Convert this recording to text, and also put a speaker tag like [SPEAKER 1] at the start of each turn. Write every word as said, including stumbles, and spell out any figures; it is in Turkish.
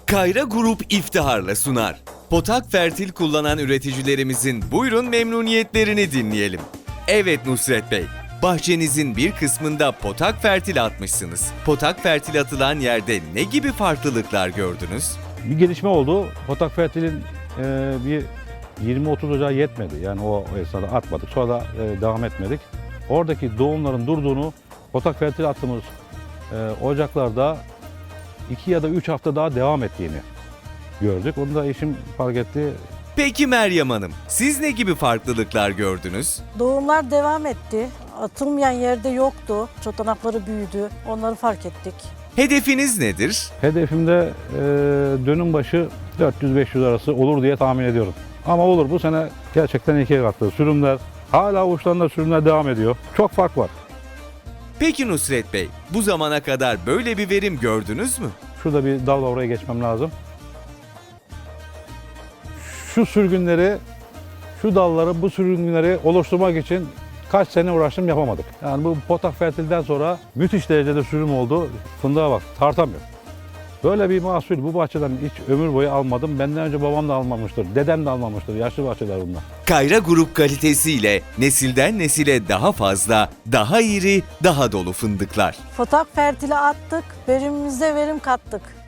[SPEAKER 1] Kayra Grup iftiharla sunar. Potak Fertil kullanan üreticilerimizin buyurun memnuniyetlerini dinleyelim. Evet Nusret Bey, bahçenizin bir kısmında Potak Fertil atmışsınız. Potak Fertil atılan yerde ne gibi farklılıklar gördünüz?
[SPEAKER 2] Bir gelişme oldu. Potak Fertil'in e, bir yirmi otuz ocağı yetmedi. Yani o esnada atmadık. Sonra da e, devam etmedik. Oradaki doğumların durduğunu Potak Fertil attığımız e, ocaklarda iki ya da üç hafta daha devam ettiğini gördük. Onu da eşim fark etti.
[SPEAKER 1] Peki Meryem Hanım, siz ne gibi farklılıklar gördünüz?
[SPEAKER 3] Doğumlar devam etti. Atılmayan yerde yoktu. Çotanakları büyüdü. Onları fark ettik.
[SPEAKER 1] Hedefiniz nedir?
[SPEAKER 2] Hedefimde e, dönüm başı dört yüz beş yüz arası olur diye tahmin ediyorum. Ama olur, bu sene gerçekten ikiye katladı. Sürümler, hala uçlarında sürümler devam ediyor. Çok fark var.
[SPEAKER 1] Peki Nusret Bey, bu zamana kadar böyle bir verim gördünüz mü?
[SPEAKER 2] Şurada bir dal var, oraya geçmem lazım. Şu sürgünleri, şu dalları, bu sürgünleri oluşturmak için kaç sene uğraştım, yapamadık. Yani bu Potak Fertil'den sonra müthiş derecede sürüm oldu. Fındığa bak, tartamıyor. Böyle bir mahsul bu bahçeden hiç ömür boyu almadım. Benden önce babam da almamıştır, dedem de almamıştır. Yaşlı bahçeler bunlar.
[SPEAKER 1] Kayra Grup kalitesiyle nesilden nesile daha fazla, daha iri, daha dolu fındıklar.
[SPEAKER 3] Fotak fertili attık. Verimimize verim kattık.